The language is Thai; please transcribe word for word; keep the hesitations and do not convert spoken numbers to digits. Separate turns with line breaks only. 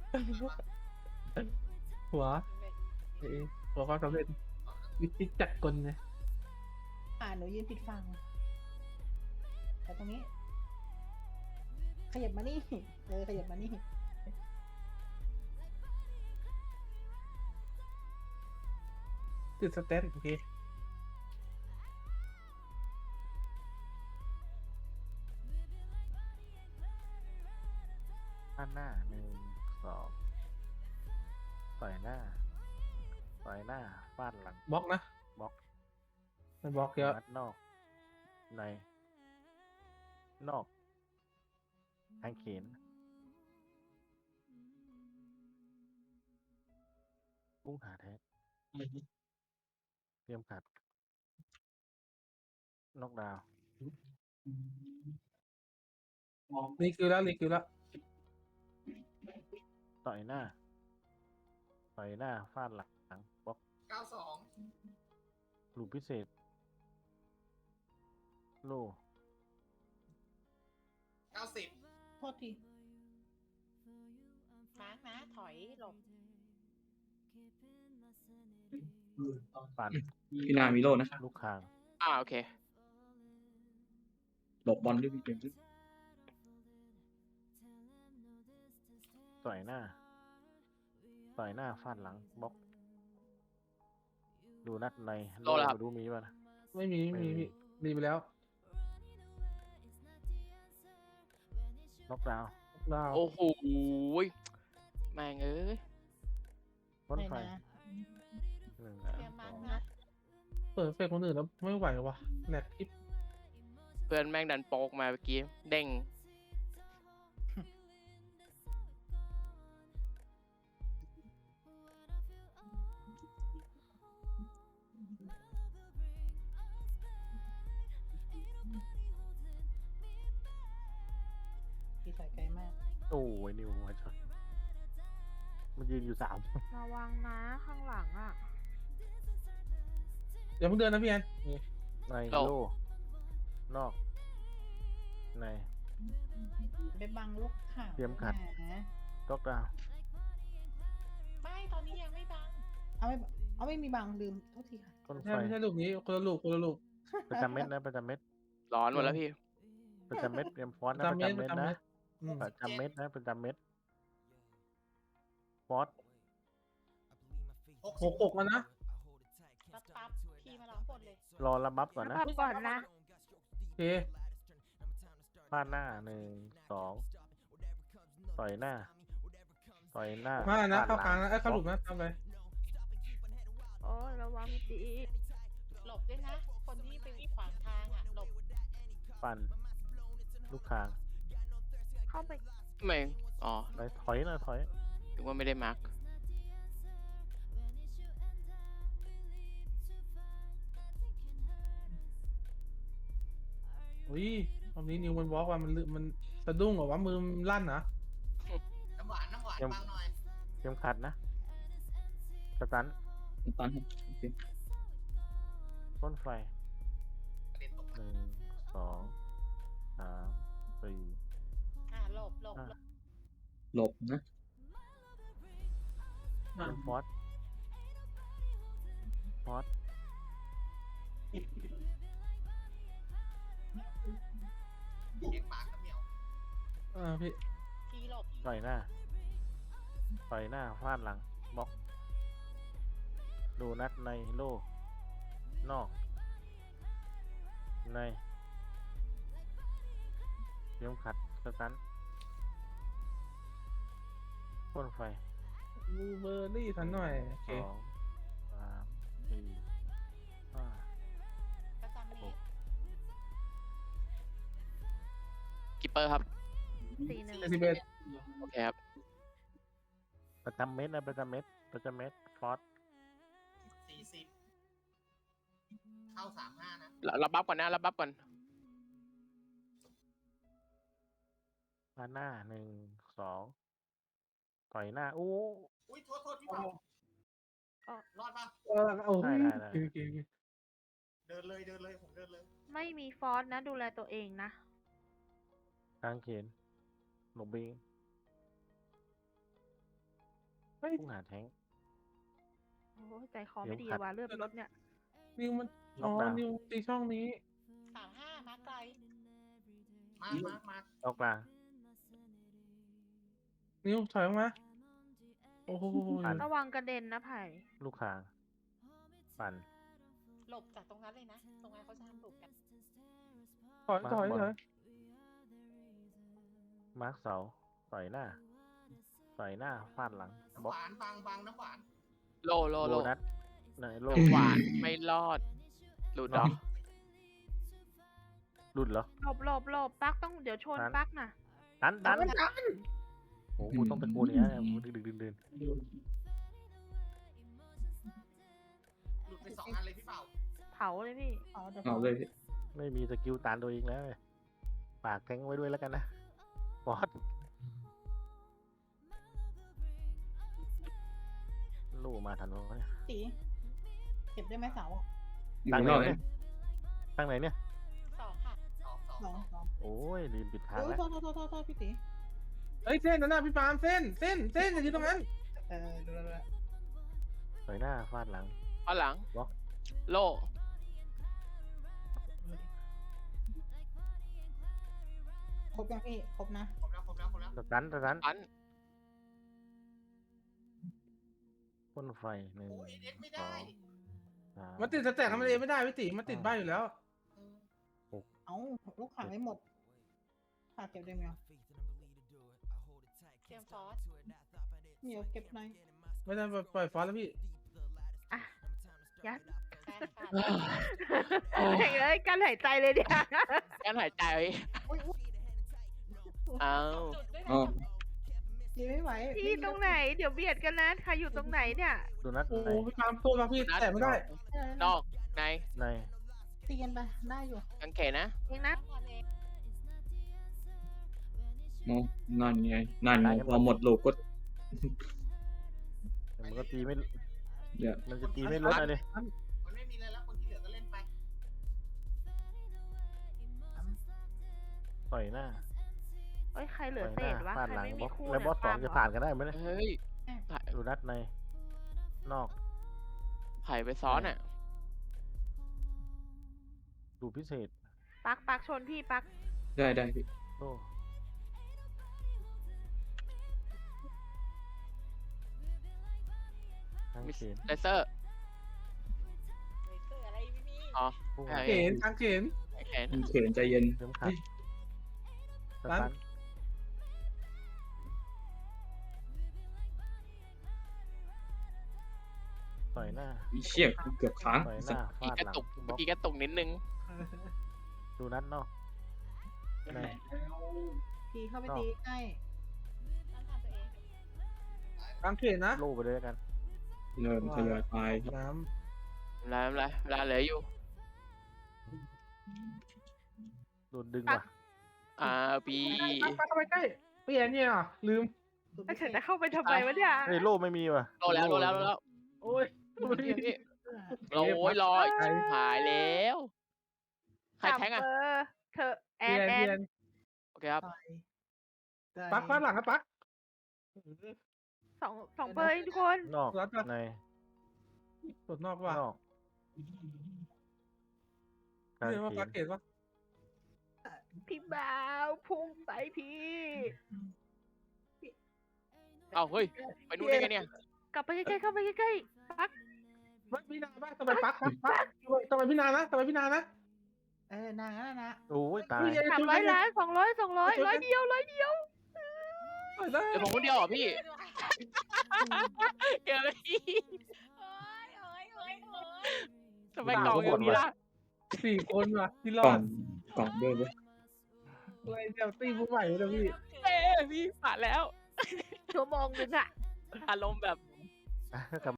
หัวเอ้ยหัวความสำเร็จวิธีจัดกลนะ
อ่าหนูยืนปิดฟังแล้วตรงนี้ ขยับมานี่เออขยับมานี่
ติดสเตตโอเค
ด้านหน้าหนึ่งสองต่อยหน้าต่อยหน้าฟาดหลัง
บล็อกนะ
บล็อก
มันบล็อกเยอะ
นัดนอก ใน นอกทางเขนพุ่งหาแท้เตรียมขัดนอกดาว
รีคิวแล้วรีคิวแล้ว
ต่อยหน้า ต่อยหน้าฟาดหลังบล็อก
เก้าสอง
ลูกพิเศษ โล
เก้าสิบ
โทษที
มาร์กนะ ถอยหลบ
ปั่น
พี่นามีโลนะ
ลูกคาง
อ่าโอเค
หลบบอลด้วยพี่เกมส์
ต่อยหน้า ต่อยหน้าฟาดหลังบล็อก ดูนัดใน
โลแล้วครับ
ไม่รู้มีป่ะนะ
ไม่มีไม่มี
ไม่มี
พี่รีไปแล้ว
น็อกดาวน์
ดาว
โอ้โหแม่งเอ้ย
พ้น
ไหน
ไฟ
นะ
หนึ่ง
เตรียม
ส
มา
อ
ร์ก
ง
นะ
เปิดเฟซคนอื่นแล้วไม่ไหววะแหลกคลิป
เพื่อนแม่งดันโป๊กมาเมื่อกี้ เด้ง
พี่ถอยไกลมาก
โอ้ยนิวมาชนมันยืนอยู่สาม
ระวังนะข้างหลังอ่ะ
เดี๋ยวเพิ่งเดินนะพี่แอนนี่
ใน
โล
โล นอก ใน
ไปบังลูกข่าว
เตรียมขัด
นะ
น็อกดาวน์
ไม่ตอนนี้ยังไม่บัง
เอาไม่เอาไม่มีบังลืมโทษทีค่ะ
พ้นไฟ
ใช่ไม่ใช่ลูกนี้คนละลูกคนละลูก
ประจำเม็ดนะประจำเม็ด
ร้อนหมดแล้วพี่
ประจำเม็ดเตรียมฟอสนะ
จำ
ประ
เม็ด
จำเม็ด
จำเม็
นะ
ดอืม
ประจำเม็ดนะประจำเม็ดฟอส
หกหกแล้วนะ
ปั๊บปั๊บพี่มาร้องบทเลย
รอระบับก่อนนะ
พักก่อนนะ
โอเค
ฟาดหน้าหนึ่งสองต่อยหน้า ต่อยหน้า
มานะ
ฟด
เข้ากลาง
ห
นะไอ้ยเข้าหลุมนะทำไป
โอ้ยระวังพี่ตี
หลบด้วยนะ คนที่ไปขวางทางอ่ะ หลบ
ปั่นลูกคาง
เข้าไป
ไม่ อ๋อ
ไปถอยหน่อยถอย
ถึงว่าไม่ได้มาร์ก
อุ้ยตอนนี้นิวมันบล็อกว่ามันลืมันสะดุ้งเหรอวะมือมันลั่นนะ
น้ำหวาน น้ำหวาน
ยัง
บังหน่อย
เตรียมขัดนะสตัน
ตันครับโอเค
ต้นไฟ
กระเด็นตก
หนึ่งสองสามสี่
อ่าหลบหลบ
ห้า
หลบ
หลบนะ
เตรียมฟอสฟอส
เด็กปากกระเหมียว
อ่าพี่
พี่หลบ
ต่อยหน้า ต่อยหน้าฟาดหลังบล็อก ดูนัดในโลนอก ในเตรียมขัดสตันพ่นไฟ
บูเบอร์รี่ทันหน่อยโอเค
สองสามสี่ห้า
ประจำเมตร
กิปเปอร์ครับ
สี่หนึ่ง
เจ็ดสิบเอ็ด
โอเคครับ
ประจำเม็ดนะประจำเม็ดประจำเม็ดฟอส
สี่สิบ เข้าสามห้านะ
รับบัฟก่อนนะ รับบัฟก่อน
มาหน้าหนึ่งสองต่อยหน้าโอ้
อุ้ย โทษโทษพี่เปารอดปะ
เออโอ้
ได้
ย
ได้ได้
โอเคโอเค
เดินเลย เดินเลย ผมเดินเลย
ไม่มีฟอสนะ ดูแลตัวเองนะ
กลางเขนหลบบิง
เฮ้ย
พุ่งหาแทง
โอ้ยใจคอไม่ดี
เดี๋ยวขัด
ว่ะเลือดรถเนี่ย
นิวมัน
ล็
อ๋
อ
อก
ดาวน์
นิวตีช่องนี้
สามห้ามาไกล
มามามา
ออกกลาง
นิวถอยออกมาโอ้โห
ปั่น
ระวังกระเด็นนะไผ่
ลูกคาง ปั่น
หลบจากตรงนั้นเลยนะ ตรงนั้นเขาจะทำหลบกัน
ถอยถอย
มาบอล
ถอย
มาร์คเสาต่อยหน้าต่อยหน้าฟาดหลัง
น้ำ
บล็
ห
อก
วานบางบางน้ำหวาน
โลโล
โล
โล
นัดไหนโล
หวานไม่รอด หลุดเหรอ
หลุดเหรอ
หลบหลบหลบปักต้องเดี๋ยวชน
นั้น
ปักน่ะ
ดันดันโอ้โหกูต้องตะโกนอย่างนี้นกูดึกดึกดึกดึก
หลุดไปสองอันเลยพี่เป่า
เผาเลยพี่
อ๋อเดี๋ยว
เอา
เขา
เลยพี่
ไม่มีสกิลตานตัวเองแล้วปากแทงไว้ด้วยแล้วกันนะบอสลูกมาทันวะเนี่ย
ตีเก็บได้ไหมเสา
อยู่
ตั้ง
ข้าง
ไหน
นอกเล
เนี่ย ยตั้งไหนเนี่ย
สองค่ะ
สองสอง
สองสอง
โอ้ยลืมปิดทาง
โอ้ย
แล้ว
โทษโทษโทษโทษโทษพี่ตี
เฮ้ยเส้นนั่นน่ะพี่ปาล์มเส้นเส้นเส้นอย่ายืนตรงนั้น
เออดูแล้วดูแล้ว
ต่อยหน้าฟาดหลัง
เอาหลัง
บล็อก
โล
ครบยังพี่ครบนะ
ครบแล้วครบแล้วครบแล้ว
สตันสตัน
อัน
พ่นไฟหนึ่ง
โอ้ยเอ็กไม่
สอ
ได้
งสาม
มันติดสแต็กทำอะไรไม่ได้พี่ติมันติดบ้านอยู่แล้ว
เออ
เอ้าลูกขาไม่หมดขาเก็บได้ไหมอ่ะ
เตรียมฟอส
เหนียวเก็บหน่อย
ไม่ได้ปล่อยฟอสแล้วพี่
ยัด
ใช่ค่ะ
เฮ้ยเอ้ยการหายใจเลยเนี่ย
การหายใจ
อุ้ยอุ้ย
เอา
จุดด้วย
อ๋อ
นะ
ตีไม่ไหว
พี่ตรงไหน เดี๋ยวเบียดกันนะ ใครอยู่ตรงไหนเนี่ย
ดูนัด
โอ้
ใน
โหพี่ปาล์มโทษครับพี่แต่ไม่ได้
เออน
อกใน
ใน
ตีกันไปได้อยู่
กางเขนนะ
เองนะ
ทำเอง
มองนั่นไงนั่นไงพอหมดลูกก็
แต่มันก็ตีไม่
เดี๋ยว
มันจะตีไม่ลดอะไรเลย
มันไม่มีอะไรแล้วคนที่เหลือก็เล่นไป
ต่อยหน้า
เอ้ย ใครเหลื
ต่
อ
อย
เศ
หน้า
ษวะ
ฟาด
ใคร
หลัง
ไม่
บ
มี
ล็อก
คู่
แล้วบอสสอง
เนี่ย
จะ
ป
ผ่า
ล์
น
ม
กันได้ไหมเนี่ย
เฮ้ย
ดูนัดในนอก
ไผ่ไปซ้อนอ่ะ
ดูพิเศษ
ปักปักชนพี่ปัก
ได้ได้พี่
โอ้ทาง
มิส
เขน
เลเซอร์
เลเซอร์อะไรไม่มี
อ๋อ
พุ่ง
ใช่
หา
เข็นทางเข็น
กางเขน
มันเขินใจเย็น
เข็มขัดส
ตั้ง
ตันต่อยหน้า
อีเชี่ยเกือบค้าง
ต่อยห
สั
น้า
ตว์
ฟา
อี
ด
กระ
หลัง
ตุก
บล็
เมื่
อ
อก กี้กระตุกนิดนึง
ดูนัดนอกใน
ตีเข้าไป
นอก
ตีใกล้
ต้องทำตัวเอง
ทางเข็นนะ
โล่ไปเลยแล้วกัน
เริ่มทยอยไปครับ
น้
เวลาเวลาเวลาเหลืออยู่
โดนดึงว่ะ
อ่าปี
ำไปเข้าไปใกล้เปลี่ยนเนี่ยเหรอลืม
สุด
แล้ว
พิเศ
ฉัน
ษ
จะเข้าไปทำไมวะเนี่ย
เฮ้ยโล่ไม่มีว่ะ
โลแล้วโลแล้วโลแล้ว
โอ้ย
พี่พี่โอ้ยลอยหายแล้ว ใครแทงอ่ะ
จับเบอร์เธอแอ
เปลี่
น
ยน
แอ
เปลี่ย
น
น
โอเคครับ
ต่อยได้
ปักฟาดหลังครับปัก
สองสองเบอร์เองทุกคน
นอก
รัดปะ
ใน
สุดนอกว่ะ
นอกกลาง
นี่ว่า
เข
ปัก
น
เข็นวะ
พี่บ่าวพุ่งใส่พี่
เอาเฮ้ย ไปนู่นได้ไงเนี่ย
กลับไปใกล้ๆเข้าไปใกล้ๆปัก
ปักพี่นาบ้างทำไมปักปักปักทำไมพี่นานะทำไมพี่นานะ
เออนางนั่นนะ
โอ้ยตาย
สามร้อยล้านสองร้อยสองร้อยร้อยเดียวร้อยเดียว
เดี๋ยวผมคนเดียวเหรอพี่เดี๋ยวพี่
โอ้ยโอ้ยโอ้ยโอ้ย
ทำไมกล่องอย่างนี้ล่ะ
สี่คนว่ะที่ร
ก
อ
ล่อ
ด
งกล่องด้วยเว้ย
อะไรเดี๋ยวตีผู้ใหม่เลยพี่
เอ้พี่ผ่านแล้ว
ชั่วโมงนึงอะ
อารมณ์แบบ
อ่ะกลับ